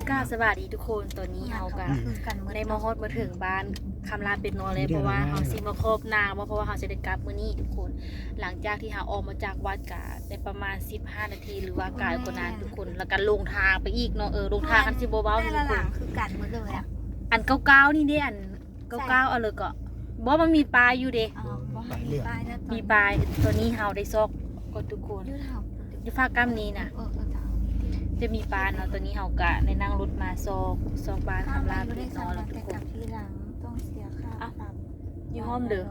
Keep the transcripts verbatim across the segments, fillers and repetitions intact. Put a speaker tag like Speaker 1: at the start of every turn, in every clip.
Speaker 1: กล้าสวัสดีทุกคนตอนนี้เฮากันได้มาฮอดมาถึงบ้านคำลาเป็นนอนเลยเพราะว่าเฮาสิมาครบนางเพราะว่าเฮาจะได้กลับมื้อนี้ทุกคนหลังจากที่เฮาออกมาจากวัดกะได้ประมาณสิบห้านาทีหรือว่ากายกว่านั้นทุกคนแล้วก็ลงทางไปอีกเนาะเออลงทางกันสิบ่เบาทุกคน
Speaker 2: คือกันหมดเลยอ่ะ
Speaker 1: อันเก่าๆนี่เด้อันเก่าๆเอาเลยก็บ่มันมีปลาอยู่เด้
Speaker 2: อ๋อบ่มีป้ายนะ
Speaker 1: มีปลาตัวนี้เฮาได้ซอกก็ทุกคน
Speaker 2: ยืดเห่า
Speaker 1: อยู่ภาคกำนี้น่ะ
Speaker 2: เออเออ
Speaker 1: จะมีปลาเนาะตัวนี้เฮากะได้นั่งรถมาซอกซอกปลาคำลาเป็นนอนแล้วทุกคน
Speaker 2: ที่หลังต้องเสียค่าปรับ
Speaker 1: อยู่ห้อมเด้อ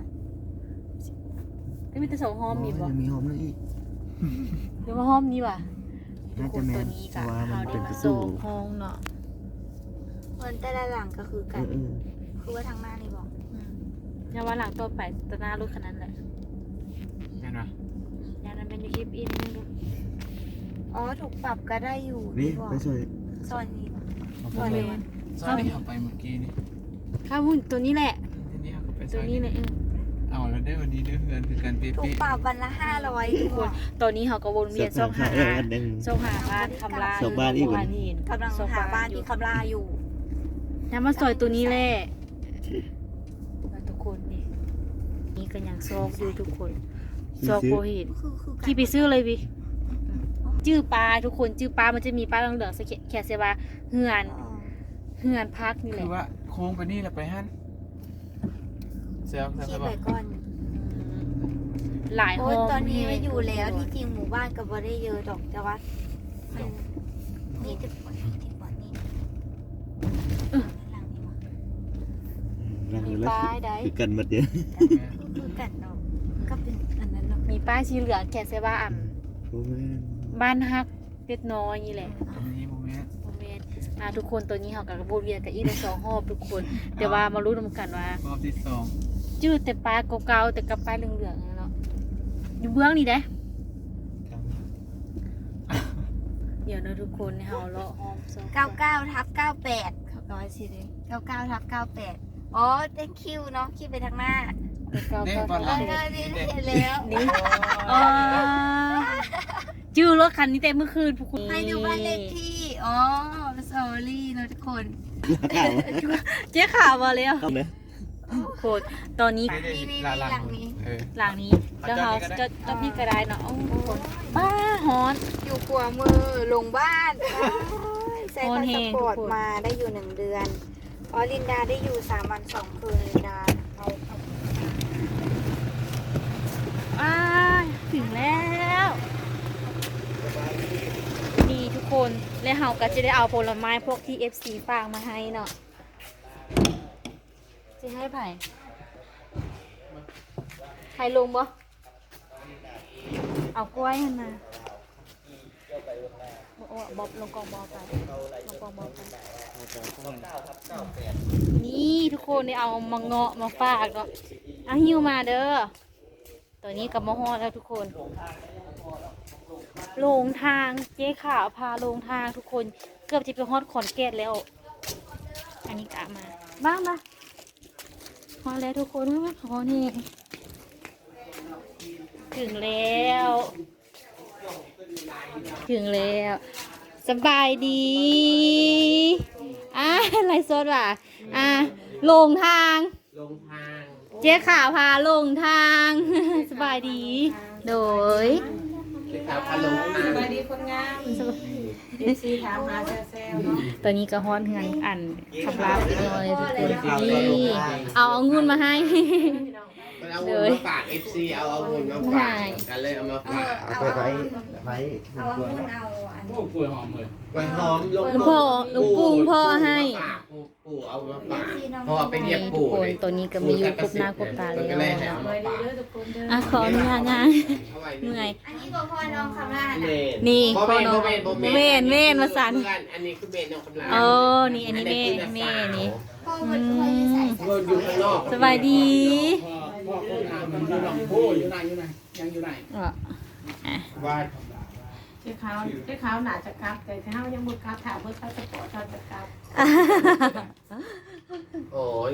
Speaker 1: ก็มีแต่สองห้อมมีบ่
Speaker 3: มีหอมนั่นอีก
Speaker 1: เดี๋ยวมาห้อมนี้ว่ะทุก
Speaker 3: น่า
Speaker 1: ค
Speaker 3: จะ
Speaker 1: น
Speaker 3: แม่
Speaker 1: ตัวน นี้กะ
Speaker 3: เพราะว่ามัน
Speaker 1: เฮาได้
Speaker 3: เป็น
Speaker 1: มา
Speaker 3: ประ
Speaker 1: ซ
Speaker 3: ตู
Speaker 1: อกห้องเนาะ
Speaker 2: คนแต่ละหลังก็คือ
Speaker 3: เอ
Speaker 2: กัน
Speaker 3: อเออ
Speaker 2: คือว่าทางหน้านี่บอก
Speaker 1: อย่าว่าหลังต่อไปตะหน้ารถคันนั้นแหละ
Speaker 4: ใช่ไหม
Speaker 1: อย่างนั้นเป็นยูคลิปอินนึงดู
Speaker 2: อ๋อถูกปรับก็ได้อยู่
Speaker 3: นี่
Speaker 2: บอก
Speaker 3: ไปช่วย
Speaker 2: ซอยนี้
Speaker 1: บ่แม่น
Speaker 4: ซอยที่เราไปเมื่อกี้นี่
Speaker 1: ข้าวหุ่นตัวนี้แหละ
Speaker 4: ทีนี้เราก็ไปซ
Speaker 1: ตัว
Speaker 4: อย
Speaker 1: นี้
Speaker 4: นี้
Speaker 1: แหละเออ
Speaker 4: เอาแล้วได้วันนี้ได้เงินคือการเป๊ะ
Speaker 2: ถูกปรับวันละห้าร้อยทุกคน
Speaker 1: ตอนนี้เฮาก็วนเวียนซอกหา
Speaker 3: เอออันหนึง
Speaker 1: ซอกหาบ้านคำลา
Speaker 3: ซอกบ้านอีก
Speaker 1: บ้านหิน
Speaker 2: กำลังหาบ้านที่คำลาอยู่
Speaker 1: น้ำมาซอยตัวนี้แหละทุกคนนี่นี่ก็ยังซอกอยู่ทุกคนซอกโบหิน
Speaker 2: คือคือ
Speaker 1: ขี่ไปซื้อเลยพี่จื้อปลาทุกคนจื้อปลามันจะมีปลาเหลืองๆสะแค่เสว่าเหือนเหือนพักนี่แห
Speaker 4: คื
Speaker 1: ละ
Speaker 4: อว่าโค้งไปนี่แล้วไปฮั่นเซลล์ใช่
Speaker 2: คิด
Speaker 4: ปะ
Speaker 2: ไปก่อน
Speaker 1: หลาย
Speaker 2: โอ้
Speaker 1: ห้
Speaker 2: ย
Speaker 1: อง
Speaker 2: ตอนนี้ไม่อยู่แล้วที่จริงหมู่บ้านก็บ่ได้เยอะดอกแต่ว่ามันนี่จะปวดนี่จะปวดนี่หลังนี้วะ
Speaker 3: รัง
Speaker 1: มี
Speaker 3: อยู่แล้ว
Speaker 1: ป้ายใด
Speaker 3: คือกันหมดเดียว
Speaker 2: คือกันเนาะก็เป็นอันนั้นเนาะ
Speaker 1: มีป้ายสีเหลืองแค่เสว่าอ่ำ
Speaker 3: โอ้แม่น
Speaker 1: บ้านฮักเล็กน้อยนี่แหละ
Speaker 4: อันนี้โมเมนต์
Speaker 1: โมเมนต์อ่าทุกคนตัวนี้เขากับกระโบเวียนกับอีกในสองหอบทุกคน แต่ว่ามารู้นำกันว่าร
Speaker 4: อบที่สอง
Speaker 1: จื้อแต่ปลาเก่าๆแต่กับปลาเหลืองๆเนาะอยู่เบื้องนี่เด้เดี๋ยวนะทุกคนเฮาเลาะหอมซอก
Speaker 2: เก้าเก้าทับเก้าแปดเขาร้อยสิเลยเก้าเก้าทับเก้าแปดอ๋อ thank you เนาะคิดไปทางหน้า
Speaker 1: เก่า
Speaker 4: เด้
Speaker 1: ๆ
Speaker 4: บอล
Speaker 2: เอ
Speaker 4: ลั
Speaker 2: อง นี่เห็นแล้ว
Speaker 1: นี่อ๋อจื้อรถคันนี้แต่เมื่อคืนพวกคุณ
Speaker 2: ให้ดูบ้านเลขที่ อ๋อ sorry เนาะทุกคน
Speaker 3: ข่าว
Speaker 1: เจ๊ข่าวมาแล้ว
Speaker 3: เข้าเลย
Speaker 1: โคตรตอนนี้
Speaker 2: นี่นี่หลังนี้
Speaker 4: เออ
Speaker 1: หลังนี้แล้วเขาจะจะพี่กระไดเนาะโอ้โหป้าฮอน
Speaker 2: อยู่ขวามือลงบ้านใส่
Speaker 1: โอ
Speaker 2: พาน ส
Speaker 1: แห้ง
Speaker 2: ปอร์ต
Speaker 1: ทุกคน
Speaker 2: มาได้อยู่หนึ่งเดือนอ๋อลินดาได้อยู่สามวันสองคืนลินดาเอาเอา
Speaker 1: อ้ายถึงแล้วนี่ทุกคนแล้วเฮาก็จะได้เอาผลไม้พวกที่ เอฟ ซี ฝากมาให้เนาะจะให้ไผ่ใครลงบ่เอากล้วยให้มาโอ้บอบลงกองบอไปลงกองบอไปนี่ทุกคนได้เอามาเงาะมาฝากเนาะอ่ะหิ้วมาเด้อตัวนี้กับมะฮอดแล้วทุกคนลงทางเจ๊ขาวพาลงทางทุกคนเกือบจะไปฮอดขอนแก่นแล้ว อันนี้กะมาบ้างมาฮอดแล้วทุกคนว่าฮอดนี่ถึงแล้ว ถึงแล้วสบายดีอ่ะไรสดว่ะอ่ะลงทาง
Speaker 4: ลงทาง
Speaker 1: เจ๊ข่าวพาลงทาง สบายดี โดย
Speaker 4: ที่ขาวพาลงทาง
Speaker 5: สวัสดีคนงามเอฟซีถามหาแซวๆเนาะ
Speaker 1: ตอนนี้ก็ฮ้อนเงินอันขับลาไปหน่อยทุกคนนี่เอาเอาเงินมาให้
Speaker 6: เอาเงินมาฝาก เอฟ ซี เอาเอาเงินมาฝากกันเลยเอามาฝาก
Speaker 3: เอาไปไว้ไว้
Speaker 2: เอาอันเอาอัน
Speaker 4: โอ้ป่วยหอมเลย
Speaker 6: ไว้หอมลง
Speaker 1: หลวงพ่อหลวงปู่พ่อให้
Speaker 6: ปู่ปู่เอามาฝากเพราะว่าไปเรียก
Speaker 1: ทุก
Speaker 6: ปู่
Speaker 1: คน
Speaker 6: เลย
Speaker 1: ตัวนี้ก็มีอยู่ครบหน้าครบตาแล้ว
Speaker 6: ก็เลยให้เอา
Speaker 5: ส
Speaker 6: มา
Speaker 5: วัสดี
Speaker 6: ฝาก
Speaker 5: เด้อทุกคนเด้อ
Speaker 1: อ่ะขออนุญาตนะ
Speaker 6: เอาไว้
Speaker 1: เมื่อย
Speaker 2: อันนี้บอกพ่อน้องคำลา
Speaker 6: เม
Speaker 2: น่ะ
Speaker 6: น
Speaker 1: นี่
Speaker 6: โม
Speaker 1: พ่อ
Speaker 6: เมน
Speaker 1: น้
Speaker 6: โม
Speaker 1: อง
Speaker 6: เมนโมเมน
Speaker 1: เมนเมนมาสั่น
Speaker 6: อันนี้คือเมนน้องคำลา
Speaker 1: โอ้นี่อันนี้เมนเมนนี่
Speaker 2: พ่อมันพ่อจะใส่ใส่
Speaker 6: เงินอยู่ข้างนอก
Speaker 1: สบายดี
Speaker 4: พ่อคนงามมันอยู่หลังผู้อยู่ไหนอยู่ไหนยังอยู่ไหน
Speaker 1: อ่ะ
Speaker 6: ว่า
Speaker 5: เจ้าขาวเจ้าขาวหนาจะกลับแต่เท้ายังบุกกลับถามเพื่อเขาจะปอดเขาจะกลับ
Speaker 6: โอ้ยังไม่หมด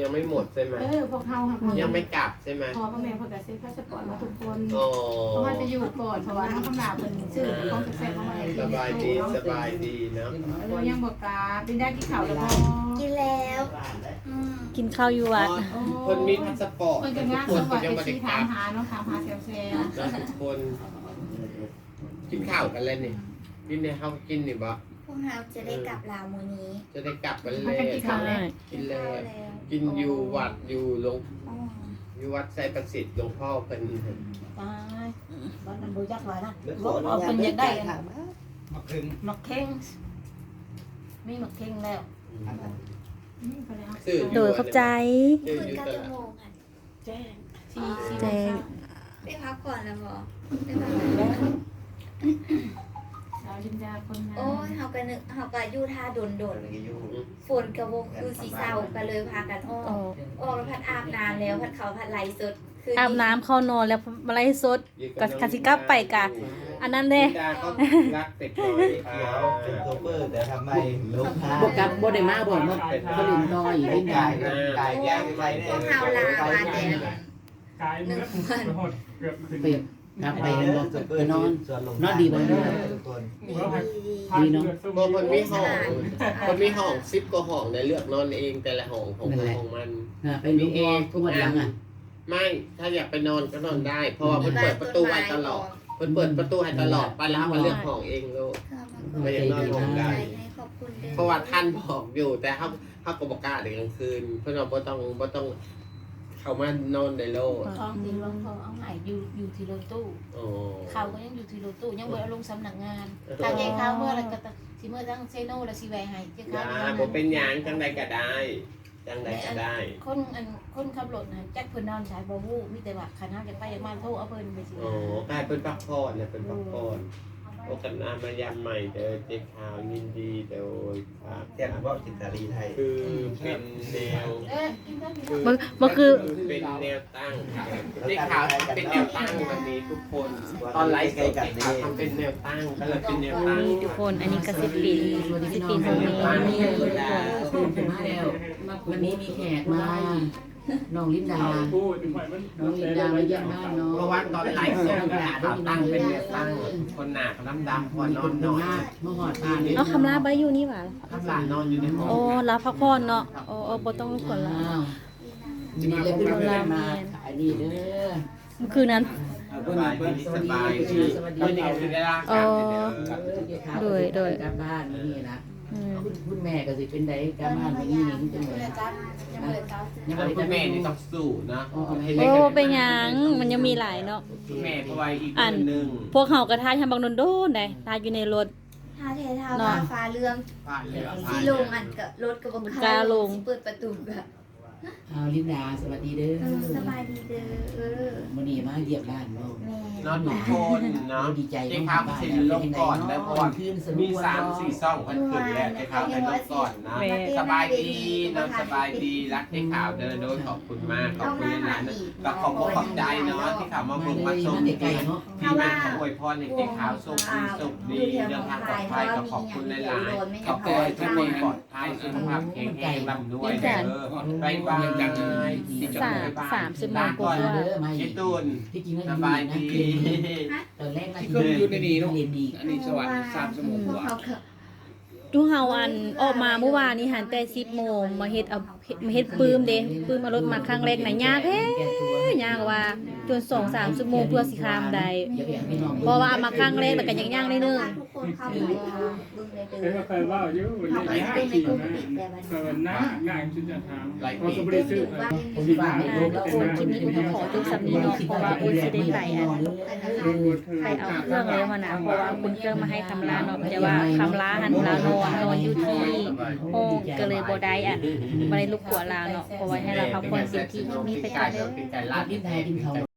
Speaker 6: ใช่ไหม
Speaker 5: เออพวกเฮาค่ะ
Speaker 6: ยังไม่กลับใช่ไหม
Speaker 5: พอพ่อแม่เพิ่นก็ซื้อพาสปอร์ตมาทุกคน
Speaker 6: โอ้
Speaker 5: เพราะว่าจะอยู่ก่อนเพราะว่าน้องคำนาเพิ่นซื้อของแซ่บๆมาให้
Speaker 6: สบายดีสบายดีเนาะ
Speaker 5: โอ้ยังบ่กล้าเป็นได้กินข้าวแล้วบ่
Speaker 2: กินแล้วอืม
Speaker 1: กินข้าวอยู่วัด
Speaker 6: คนมีพาสปอร์ต
Speaker 5: เพิ่นก็
Speaker 6: ทุ
Speaker 5: งาก น
Speaker 6: คน
Speaker 5: สวัส
Speaker 6: ยัง
Speaker 5: ดี
Speaker 6: ไม่ได้
Speaker 5: ที่
Speaker 6: ก
Speaker 5: ถา
Speaker 6: ลั
Speaker 5: ม
Speaker 6: บ
Speaker 5: หาเนาะถามหาแซว
Speaker 6: นะทุกคน กินข้าวกันเลยนี่กินในข้าวกินนี่บ่
Speaker 2: พวกเราจะได้กลับลาวมื้อนี้
Speaker 6: จะได้กลับกัน
Speaker 5: ๆ
Speaker 6: เล
Speaker 5: มัน
Speaker 6: ย
Speaker 5: ก็กินข้าวแล้ว
Speaker 6: กินเลย
Speaker 2: แล้ว
Speaker 6: กินอยู่วัดอยู่หลวง
Speaker 2: อ๋อ
Speaker 6: อยู่วัดไซประสิทธิ์หลวงพ่อเพิ่น
Speaker 5: ตายบ้านนั้นบ่ยักหลายนะ
Speaker 3: ขออนุญาต
Speaker 5: เพิ่นอยากได้
Speaker 3: ถาม
Speaker 4: มาครึ่ง
Speaker 5: หมักเข่งมีหมักเข่งแล้วอืมก็เลยเอา
Speaker 6: ซื้อ
Speaker 1: โดยขอบใจ
Speaker 6: ซื้อ
Speaker 2: คืน
Speaker 6: อยู่
Speaker 2: เก้า
Speaker 6: ต
Speaker 2: ชั่ว
Speaker 6: ลาด
Speaker 2: โมงค่ะ
Speaker 5: แจ้งสี่สี่
Speaker 1: แจ้ง
Speaker 2: ได้พักก่อนแล้วบ่ได้พักก่อน
Speaker 5: ดาวจินดาคนนั้น
Speaker 2: โอ้ยเฮาก็นึกเฮาก็อยู่ท่าโดนๆฝนก็บ่คือสิเศร้าก็เลยพากันออก
Speaker 1: อ๋อ
Speaker 2: ออกแล้วพัดอาบน้ำแล้วพัดเขาพัดไหลสดคื
Speaker 1: อาบน้ำเข้านอนแล้วมาไล่สด ก็คาสิกลับไปกะ อันนั้นเด้
Speaker 6: ดาก็รักเป็ดน้อย
Speaker 3: เขียวเป็นโซเปอร์แต่ทำไมลูกค้า
Speaker 7: บกลับบ่ได้มาบ่มาเขาลินน้อย
Speaker 3: ไม่
Speaker 7: เล่น
Speaker 3: กา
Speaker 7: ได้
Speaker 3: ยกายย่างไปเนี่ย
Speaker 2: พวกเฮาลามาแต่
Speaker 4: กายเนื้อหดเกือบขึ้น
Speaker 7: เปรียบกลับไปเห็นบ่
Speaker 3: โซเปอ
Speaker 7: ไป
Speaker 3: ร์
Speaker 7: นอน
Speaker 3: ส่วนลง
Speaker 7: นอนดีบ่นอน
Speaker 3: ทุกคน
Speaker 2: ดีดี
Speaker 7: ดีเนาะ
Speaker 6: บางคนมีห้องคนมีห้องซิปก็ห้องในเลือกนอนเองแต่ละห้องของคนของมัน
Speaker 7: น่ะไปดูเองทุกวันหลังอ่ะ
Speaker 6: ไม่ถ้าอยากไปนอนก็นอนได้ เพราะว่าเพิ่นเปิดประตูไว้ตลอดเพิ่นเปิดประตูให้ตลอดไปแล้วก็เลือกห้องเองลูก
Speaker 2: ไม่อยากนอนห้องใดขอบคุณเด้อ
Speaker 6: เพราะว่าท่านบอกอยู่แต่เขาเขาก็บอกกล้าเด็กกลางคืน เพื่อนเราบ่ต้องบ่ต้อง เขามานอนในโลก
Speaker 5: ท้องที่หลวงพ่อเอาใหายอยู่อยู่ที่รถตู้
Speaker 6: โอ้
Speaker 5: เขาก็ยังอยู่ที่รถตู้ยังบ่ได้ลงสำนักงานทางแยกข้าวเมื่อไรก็ต้องสิเมื่อทั้งเซโนและสิแวให้เจ้า
Speaker 6: อย่า
Speaker 5: ข้าว
Speaker 6: บ่เป็นหยังจังใดก็ได้จังใดก็ได้
Speaker 5: คนอันคนขับรถนะจักเพิ่นนอนสายบ่ฮู้มีแต่ว่าคันเฮาจะไปอยากมาโทรเอาเพิ่นไปสิ
Speaker 6: โอ้กลายเป็นพักผ่อนเนี่ยเป็นพักผ่อนโอกาสหน้ามายามใหม่เด้อเจ๊ขาวยินดีโดยครับ
Speaker 3: แจ้งว่าจิตาลีไทย
Speaker 6: คือเป็นแนว
Speaker 5: เอ๊ะกินได้กินได้
Speaker 1: บ่บ่คือ
Speaker 6: เป็นแนวตั้งเจ๊ขาวเป็นแนวตั้งวันนี้ทุกคน ตอนไลฟ์สดเจ๊ขาวทำเป็นแนวตั้งก็เลยเป็นแนวตั้ง
Speaker 1: นี่ทุกคนอันนี้ก็สิปีสิปีตรงนี้นี่ทุกคน
Speaker 7: ตื่นมาแล้ววันนี้มีแขกมาน้องลินดา
Speaker 4: พูดถึงฝ่ายมัน
Speaker 7: น้องลินดามาเยี่ยมบ้านน้อง
Speaker 6: เพราะว่าตอนไลฟ์สดเจ๊ขาวตั้งเป็นแนวตั้งคนหนาดำดำๆคนนอนนอน
Speaker 7: มาหอดบ้าน
Speaker 1: เนาะคำลาบ่ได้อยู่นี่หว่า
Speaker 6: ข้างหลังนอนอยู่ในห้อง
Speaker 1: โอ้ลาพักผ่อนเนาะโอ้โอ้บ่ต้องรบกวนลา
Speaker 7: อ้าวนี่เลยคือเรามาขายดีเด้อ
Speaker 1: เมื่อคืนนั้น
Speaker 6: สบายดีสบายดีไม่ได้คือได้ร่างกายเดี๋ยว
Speaker 1: โดยโดย
Speaker 7: กลับบ้านนี่นะ
Speaker 1: อืม
Speaker 7: คุณแม่ก็สิเป็นไดกลับบ้านนี่นี่จังเลย
Speaker 5: ยังบ่ได้จับ
Speaker 7: ยัง
Speaker 6: แล้ว
Speaker 7: บ่
Speaker 6: คุณ
Speaker 7: ได้
Speaker 6: แม่นี่ต้องสู้นะ
Speaker 1: โอ้เป็นหยังมันยังมีหลายเนาะ
Speaker 6: คุณแม่เพราะว่าอีกคนหนึ่ง
Speaker 1: พวกเฮาก็ทายทำบางโดนๆได้ทายอยู่ในรถ
Speaker 2: ท่าเทท่าว่าฟ้าเรื่อง
Speaker 6: บ้านเหลือ
Speaker 2: สิลงอันกับรถกับบ่
Speaker 1: กล้าลง
Speaker 2: สิเปิดประตูก็
Speaker 7: เอาลินดาสวัสดีเด้อ
Speaker 2: เออสบายดีเด้อเออ
Speaker 7: มื้อนี้มาเยี่ยมบ้านเนาะ
Speaker 2: แม่
Speaker 6: นอนทุกคนเนาะ
Speaker 7: ดีใจ
Speaker 6: เจ๊ขาวเซ็นลงก่อนแล้วเพราะว่า
Speaker 7: คืนสนุ
Speaker 6: มี
Speaker 7: ก
Speaker 6: สามสี่ซ่องกันขึ้นแล้วเจ๊ขาวไปลงก่อนนะสบายดีนอนสบายดีรักเจ๊ขาวเดินโดยขอบคุณมากขอบคุณหลายๆนะแล้วขอบคุณขอบใจเนาะที่เขามาบุกมาชม
Speaker 7: เด็กไก่เนาะ
Speaker 6: ที่แม่ขออวยพรให้เจ๊ขาวสุขดีสุขดีเดินทางปลอดภัยก็ขอบคุณหลายๆขอบคุณทุกคนปลอดภัยสุขภาพแข็งแรงร่ำรวยเด้อบายบายที่จบ
Speaker 1: สาม
Speaker 6: บ๊ายบาย
Speaker 1: สามสิบโม
Speaker 6: ลาง
Speaker 1: ก
Speaker 6: ก่อน
Speaker 1: ว่า
Speaker 7: เด้อมา
Speaker 6: เจ๊ตูน
Speaker 7: ที่จริงแล้ว
Speaker 6: สบายดี
Speaker 7: ตอนแรกนะ
Speaker 4: เครื่องอยู่ในนี้เนาะ
Speaker 7: เรียนดี
Speaker 4: อันนี้สวรรค์สามสมุน
Speaker 2: พวก
Speaker 4: กว่า
Speaker 2: เขาก็
Speaker 1: ทุกเฮาอันออกมาเมื่อวานนี้หันแต่สิบโมงมาเฮ็ดเอามาเฮ็ดปื้มเด้ปื้มเอารถมาครั้งแรกน่ะยากแท้ยากว่าจนสองสามชั่วโมงเพื่อสิข้ามได้เพราะว่ามาครั้งแรกแล้วก็ยังย่างได้นึง
Speaker 2: ทุกคนเข้าไปทางเบิ่งเลยเด้
Speaker 4: เอ้ย
Speaker 2: อ
Speaker 4: เคยว่าอยู่
Speaker 2: เข้าไป
Speaker 4: ใน
Speaker 2: เบิ่งใน
Speaker 4: ขี่
Speaker 2: กลุ่ม
Speaker 4: นะ
Speaker 2: ปิดแต่วัน
Speaker 4: เกินหน้าง่ายชุดจะทำ
Speaker 6: ไลฟ์
Speaker 4: พอสบริสุทธิ์
Speaker 7: ผมคิดว่าไม่รู้แล้ว
Speaker 1: โอนคลิปนี้อุ้ยขอจบสำนี้เนาะเพราะว่าอุ้ยสิได้ไปอ่ะไปเอาเครื่องเลยมานะเพราะว่าคุณเครื่องมาให้คำลาเนาะแต่ว่าคำลาหันลานอนนอนอยู่ที่ห้องก็เลยบ่ได้อ่ะบ่ได้รบกวนลาเนาะเพราะว่าให้เราพักผ่อนเต็มที่คลิปนี้ไปก่อนเด้อ
Speaker 6: เป็นไก่
Speaker 7: ลา
Speaker 6: ลา
Speaker 7: บ
Speaker 6: ด
Speaker 7: ลิ้นไทยกินเขา